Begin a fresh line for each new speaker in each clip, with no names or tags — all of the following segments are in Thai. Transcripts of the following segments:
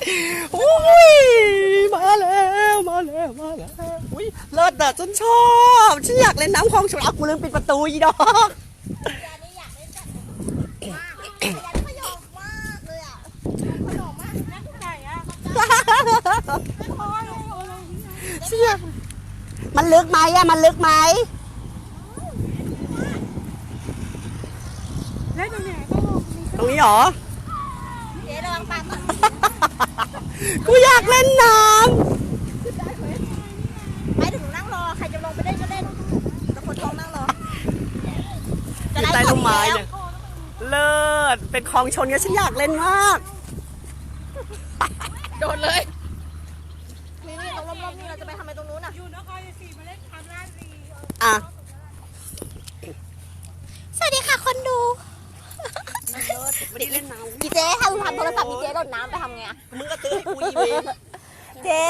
อุ้ยมาแล้วอุ้ยเลิศอะฉันชอบฉันอยากเล่นน้ำคลองฉลากกูลืมปิดประตูอีดอกมันลึกไหมอะมันลึกไหมตรงนี้เหรอ
เจ๊ระวังปาก
กูอยากเล่นน้
ำไม่ถึงนั่งรอใครจะลงไปเล่นก็เล่นแต่คนท้องนั่งรอ
ำใต้ต้นไม้เนี่ยเลิศเป็นคลองชนกันฉันอยากเล่นมาก
โดดเลยนี่ตรงรอบๆนี่เราจะไปทำไมตรงนู้นอ่ะ
อยู่นครศรีมาเล่นทำราชรี
อ่ะ
สวัสดีค่ะคนดู
ไม่ได้เล่นน้ำ
ดีเจ๊ถ้าทำโทรศัพท์ดีเจ๊โดดน้ำไปทำไงอ่ะ
มึงก็ตื้อให้กูอีเวน
เจ๊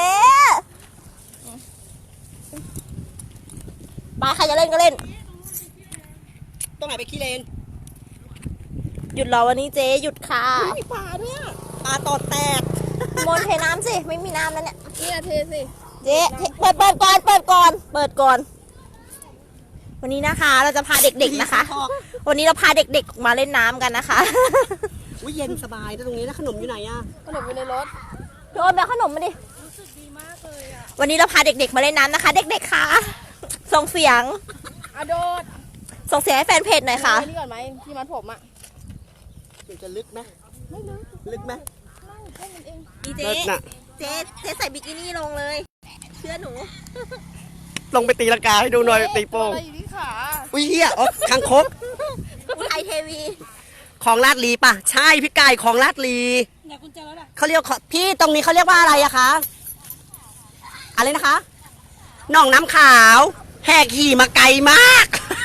ไปใครจะเล่นก็เล่น
ตรงไหนไปขี้เลน
หยุดรอวันนี้เจ๊หยุดค่ะ
มีปลาด้วยปลาตอดแตก
มนเทน้ำสิไม่มีน้ำแล้วเนี่ย
นี่เทสิ
เจ๊เปิดก่อนวันนี้นะคะเราจะพาเด็กๆนะคะวันนี้เราพาเด็กๆมาเล่นน้ำกันนะคะ
วิเย็นสบายแต่ตรงนี้นะขนมอยู่ไหนอะ
ขนมอยู่ในรถ
โดนแบบขนมมาดิ
รู้สึกดีมากเลยอ่ะ
วันนี้เราพาเด็กๆมาเล่นน้ำนะคะเด็กๆค่ะส่งเสียง
โดด
ส่งเสียงให้แฟนเพจหน่อยค่ะ
นี่ก่อนไหมที่มัดผมอ่ะ
มันจะลึกไหม
ไม่
ลึกไหม
แค่นั้นเอง
เจ๊ใส่บิกินี่ลงเลยเชื่อหนู
ลงไปตีลังกาให้ดูหน่อยตีโป่ง
อะไรอยู่ที่ขา
อุ้ยเฮียอ๋อคางคก
อุทัยเทวี
ของลาดลีป่ะใช่พี่กายของลาดลี
ไหนคุณเจอแล้วล่ะ
เขาเรียกพี่ตรงนี้เขาเรียกว่าอะไรอะคะอะไรนะคะหนองน้ำขาวแหกขี่มาไกลมาก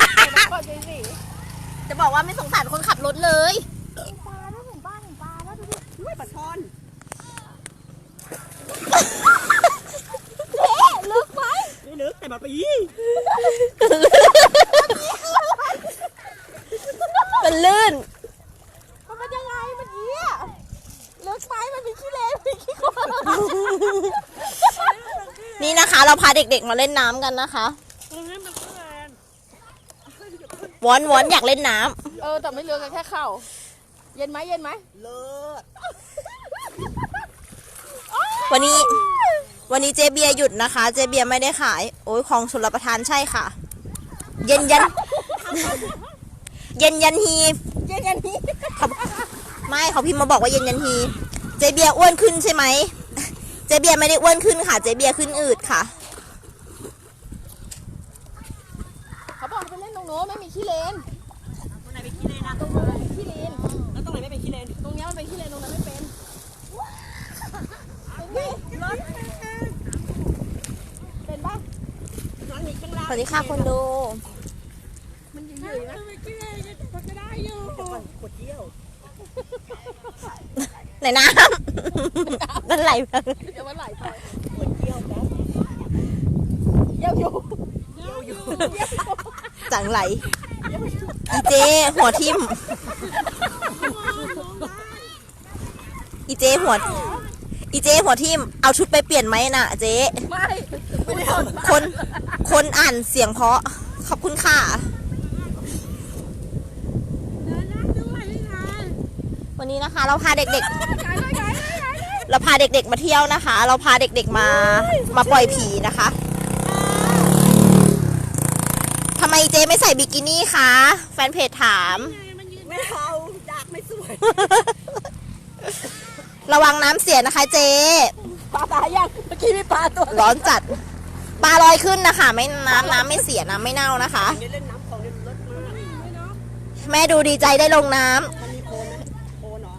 จะบอกว่าไม่สงสารคนขับรถเลย
ปลาแล้วถึงปลาแล้วดูดิ
อุ้ยปลาช่อน
ลึกไหม
ไม่ลึกแต่แบบปี
มันลื่น
มันเป็นยังไงมันเยี่ยลึกไหมมันเป็นขี้เลนเป็นขี้โคลน
นี่นะคะเราพาเด็กๆมาเล่นน้ำกันนะคะวอนอยากเล่นน้
ำแต่ไม่เลือกกันแค่เข่าเย็นไหม
เลิศ
วันนี้เจเบียหยุดนะคะเจเบียไม่ได้ขายโอ้ยของชลประทานใช่ค่ะเย็นยันฮีไม่เขาพิมพ์มาบอกว่าเย็นยันฮีเจเบียอ้วนขึ้นใช่ไหมเจเบียไม่ได้อ้วนขึ้นค่ะเจเบียขึ้นอืดค่ะ
เขาบอกไปเล่นตรงโน้นไม่มีขี้เลน
ตรงไหนเป็นขี้เลนนะ
ตรงโน้นเป็นขี้เลน
แล้วตรงไหนไม่เป็นขี้เลน
ตรงนี้มันเป็นขี้เลนตรงนั้นไม่เป็นเป็นปะ
สวัสดีค่ะคนดู
มันอยู่ๆนะมันก็ได้อยู่
ขวดเยี่ยว
ไหนน้ำมันไหลไป
เดี๋ยวมันไหลไป
ขวดเยี่ยวนะ
เยี่ยวอยู่
จังไหลอีเจหัวทิ่มอีเจหัวทิ่มเอาชุดไปเปลี่ยนไหมน่ะเจ๊
ไม่
คนอ่านเสียงเพราะขอบคุณค่ะวันนี้นะคะเราพาเด็กๆมาเที่ยวนะคะ เราพาเด็กๆมาปล่อยผีนะคะทำไมเจ๊ไม่ใส่บิกินี่คะแฟนเพจถาม
ไม่เอาอยากไม่สวย
ระวังน้ำเสียนะคะเจ๊
ปลาตายยังเมื่อกี้มีปลาตัว
ร้อนจัดปลาลอยขึ้นนะคะไม่น้ำไม่เสียน้ำไม่เน่านะคะ
เล่นน้ำของเล่นรถมาก
แม่ดูดีใจได้ลงน้ำ
มันมีโคลนไหมโคลนเหรอ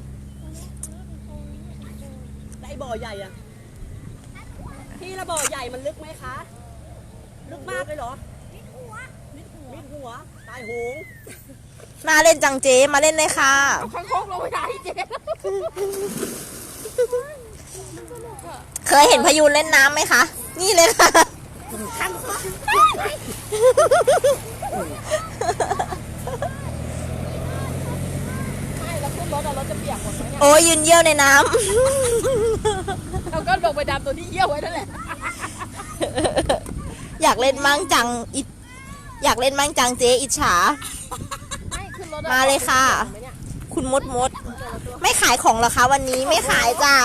ได้บ่อใหญ่อะพี่ละบ่อใหญ่มันลึกไหมคะลึกมากเลยเหรอมิดหัวตายโหง
น่าเล่นจังเจ๊มาเล่นเลยค่ะ
เอาคังคกลงไปได้เจ๊
เคยเห็นพยูนเล่นน้ำไหมคะนี่เลยค่ะ
ไม่แล้วขึ้นรถจะเปียกหมดไหมเนี่ย
โอ้ยยืนเยี่ยวในน้ำ
เอาก้อนลงไปดำตัวที่เยี่ยวไว้นั่นแหละ
อยากเล่นมั่งจังอยากเล่นมั่งจังเจ๊อิจฉา มาเลยค่ะ คุณมดไม่ขายของเหรอคะวันนี้ไม่ขายจ้า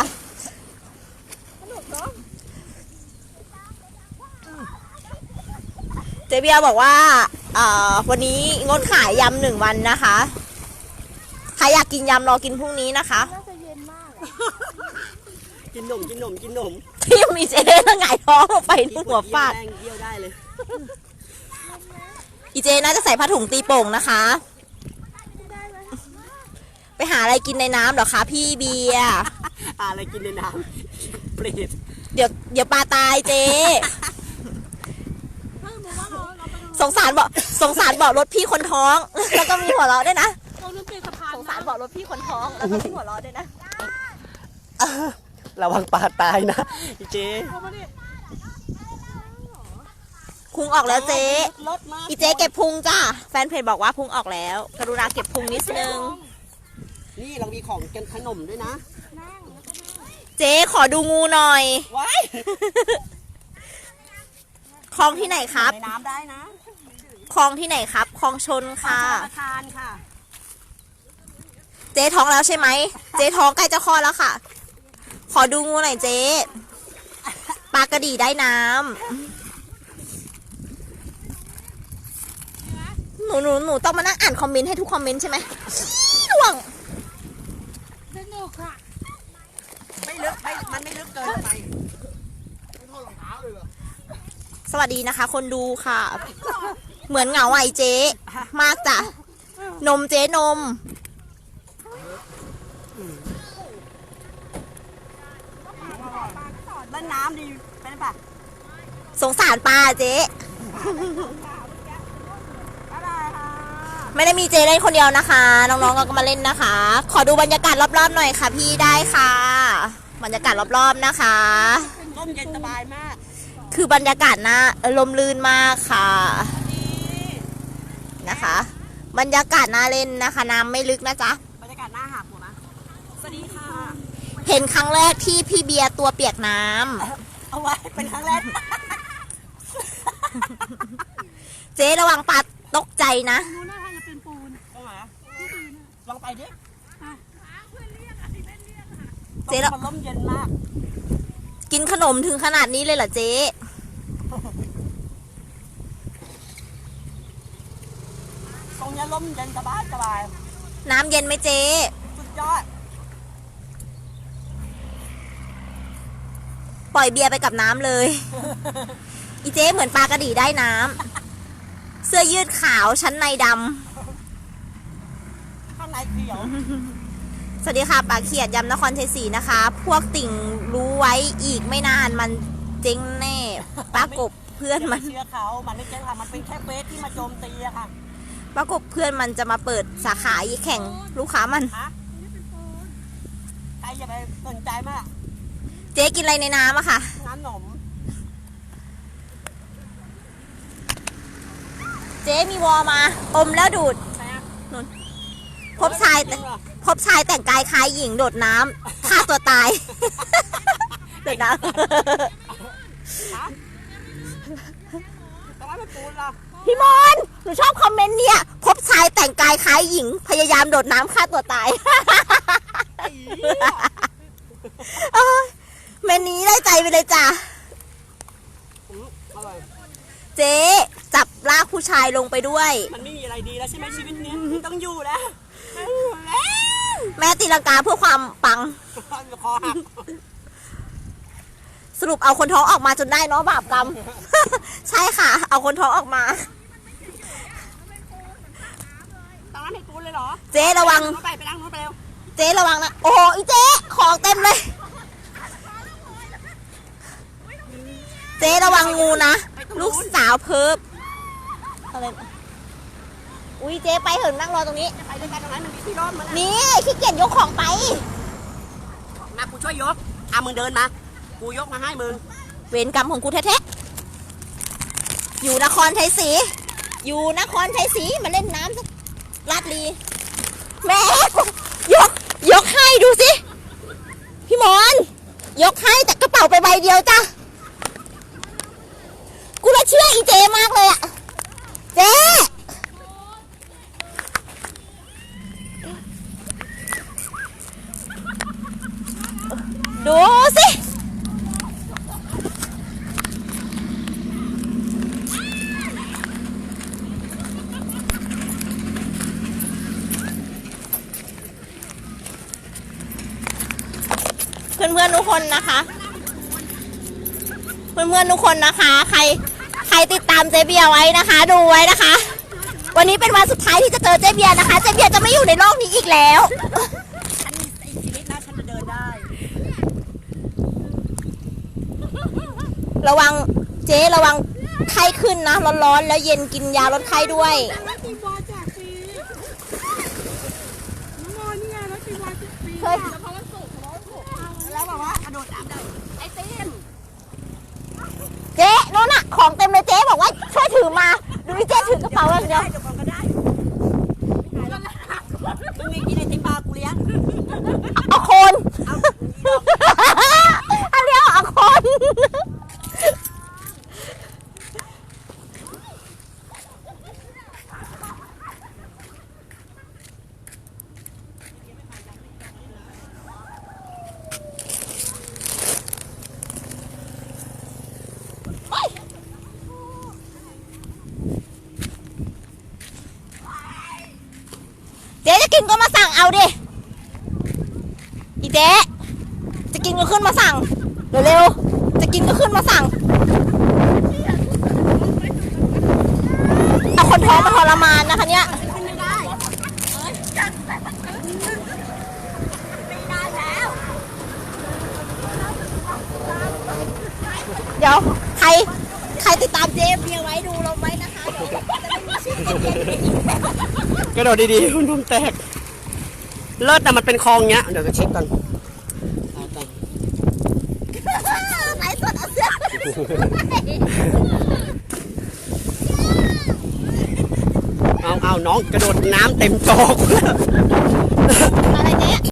เจเบียบอกว่าวันนี้งดขายยำ1 วันนะคะใครอยากกินยำรอกินพรุ่งนี้นะคะ
น่าจะเย็นมาก
กินนม
พี่มีเจ๊แล้วหงายท้องลงไปที่หัวฟาด
เยี่ยวได้เลย
อีเจน่าจะใส่ผ้าถุงตีโป่งนะคะ ไปหาอะไรกินในน้ำเหรอคะพี่เบียร์
อะไรกินในน้ำเปรต
เดี๋ยวปลาตายเจ๊สงสารบอกรถพี่คนท้อง แล้วก็มีหัวเราะด้วยนะ
ตรงนั้นเป็นสะพาน
สงสารบอกรถพี่คนท้องแล้วก็มีหัวเราะด้วยนะ
ระวังปลาตายนะอีเจ
พุงออกแล้วเจ๊
รถมา
อีเจ๊เก็บพุงจ้าแฟนเพจบอกว่าพุงออกแล้ว กรุณาเก็บพุงนิดนึง
นี่เรามีของกันขนมด้วยนะ
เจ๊ขอดูงูหน่อย
ว้าย
คลองที่ไหนครับ
ในน้ำได้นะ
คลองที่ไหนครับคลองชนค่ะ
ประทานค่ะ
เจ๊ท้องแล้วใช่ไหม เจ๊ท้องใกล้จะคลอดแล้วค่ะ ขอดูงูหน่อยเจ๊ปลากระดีได้น้ำหนูต้องมานั่งอ่านคอมเมนต์ให้ทุกคอมเมนต์ใช่ไหมห่วง
สนุกค่ะ
ไม่ลึกมันไม่ลึกเกินไป
สวัสดีนะคะ คนดูค่ะ เหมือนเหงาไอเจ๊มากจ้ะนมเจ๊นม
เล่นน้ำดีเป็นปะ
สงสารปลาเจ๊
อะไรค่ะ
ไม่ได้มีเจ๊เล่นคนเดียวนะคะ น้องๆก็มาเล่นนะคะ ขอดูบรรยากาศรอบๆหน่อยค่ะพี่ได้ค่ะ บรรยากาศรอบๆนะคะ
ร่มเย็นสบายมาก
คือบรรยากาศน่าลมลื่นมากค่ะนะคะ บรรยากาศน่าเล่นนะคะ น้ำไม่ลึกนะจ๊ะ
บรรยากาศน่าหักหมดนะสวัสดีค่ะ
เห็นครั้งแรกที่พี่เบียร์ตัวเปียกน้ำ
เอาไว้เป็นครั้งแรก
เจ๊ระวังปลาตกใจนะ
นู้นน่าจะเป็นปูน
ตรงไหนลองไปดิ
เจ๊แล้ว
มันร่มเย็นมาก
กินขนมถึงขนาดนี้เลยเหรอเจ๊
ตรงนี้ร่มเย็นสบาย
น้ำเย็นไหมเจ๊
สุดยอด
ปล่อยเบียร์ไปกับน้ำเลย อีเจ๊เหมือนปลากระดีได้น้ำเสื้อยืดขาวชั้นในด
ข้างในเขียว
ำสวัสดีค่ะปลาเขียดยำนครชัยศรีนะคะ พวกติ่งรู้ไว้อีกไม่นานมันเจ๊งแน่ปลากบเพื่อนมัน
เชื่อเขามันไม่เจ๊งค่ะมันเป็นแค่เฟซที่มาโจมตีอะค่ะ
ปรากฏเพื่อนมันจะมาเปิดสาขาแข่งลูกค้ามัน
ฮะใครอย่าไปสนใจมาก
เจ๊กินอะไรในน้ำอะค่ะ
น้ำหนม
เจ๊มีวอมา อมแล้วดูด
ใช่ไหม
นู่นพบชายแต่งกายคล้ายหญิงโดดน้ำฆ่าตัวตาย โดดน้
ฮะแต่ว่าไม่ปูนหรอ
ำพี่มนหนูชอบคอมเมนต์เนี่ย พบชายแต่งกายคล้ายหญิง พยายามโดดน้ำฆ่าตัวตาย เอ้ยเมนนี้ได้ใจไปเลยจ้ะ
อร่อย
เจ๊จับลากผู้ชายลงไปด้วย
มันไม่มีอะไรดีแล้วใช่ไหมชีวิตนี้ต้องอยู่แล้ว
แม่ตีลังกาเพื่อความปัง
คอหัก
สรุปเอาคนท้องออกมาจนได้เนาะบาปกรรม ใช่ค่ะ เอาคนท้องออกมา
ตอนนั้นไม่ปูนเลยเหรอ
เจ๊ระวัง
ไปล้างนู้นไปเร็ว
เจ๊ระวังนะ โอ้โหอีเจ๊ของเต็มเลย เจ๊ระวังงูนะ ลูกสาวเพิบอะไรอุ้ยเจ๊ไปเหินนั่งรอตรงนี้
ไปด้วยกันตรงนั้นมันมีที่ร่มมัน
นี่ขี้เกียจยกของไป
มากูช่วยยกมึงเดินมา กูยกมาให้มึง
เวรกรรมของกูแท้ๆอยู่นครชัยศรีอยู่นครชัยศรีมาเล่นน้ำสักลาดลีแม่ยกให้ดูสิ พี่มอนยกให้แต่กระป๋าไปใบเดียวจ้ะกูละเชื่ออีเจมากเลยอะเจดูสิเพื่อนๆทุกคนนะคะ เพื่อนๆทุกคนนะคะ ใครติดตามเจเบียร์ไว้นะคะ ดูไว้นะคะ วันนี้เป็นวันสุดท้ายที่จะเจอเจเบียร์นะคะ เจเบียร์จะไม่อยู่ในโลกนี้อีกแล้ว
ฉันไอ้ชีวิตนะฉันจะเดินได้
ระวังเจ๊ระวังไข้ขึ้นนะร้อนๆแล้วเย็นกินยาลดไข้ด้วย
แล้วตีบอลแจกฟรีน้องโมนี่ไงแล้วตีบอลแจกฟรี
เฮ้ย
แล้วเพราะวันศุกร์
แล้วบอกว่ากระโดดน้ำได้ไอ้ตีน
เจ๊โน่นอะของเต็มเลยเจ๊บอกว่าช่วยถือมาดูนี่เจ๊ถือกระเป๋าอย่างเดียว
เดี๋ยวก่อนก็ได้มึงมีกินไอติมปลากูเลี้ยง
เอาโคน
เอา
อันเดียวเอาโคน เจ๊จะกินก็มาสั่งเอาดิอีเจ๊จะกินก็ขึ้นมาสั่งเร็วๆจะกินก็ขึ้นมาสั่งเอาคนท้องมาทรมานนะคะเนี่ย
ขึ้นไม่ได้ไม่ได้แล้ว
เดี๋ยวใครติดตามเจ๊เบียร์ไว้ดูเราไว้นะคะเดี๋ยวจะไม่มีชื่อเจ๊เบียร์อีก
กระโดดดีๆคุณนมแตกเลิศแต่มันเป็นคลองเงี้ยเดี๋ยวจะเช็คก่อน
ไหนสดเอาเสื้อ
เอาน้องกระโดดน้ำเต็มจอก
อะไรเจ๊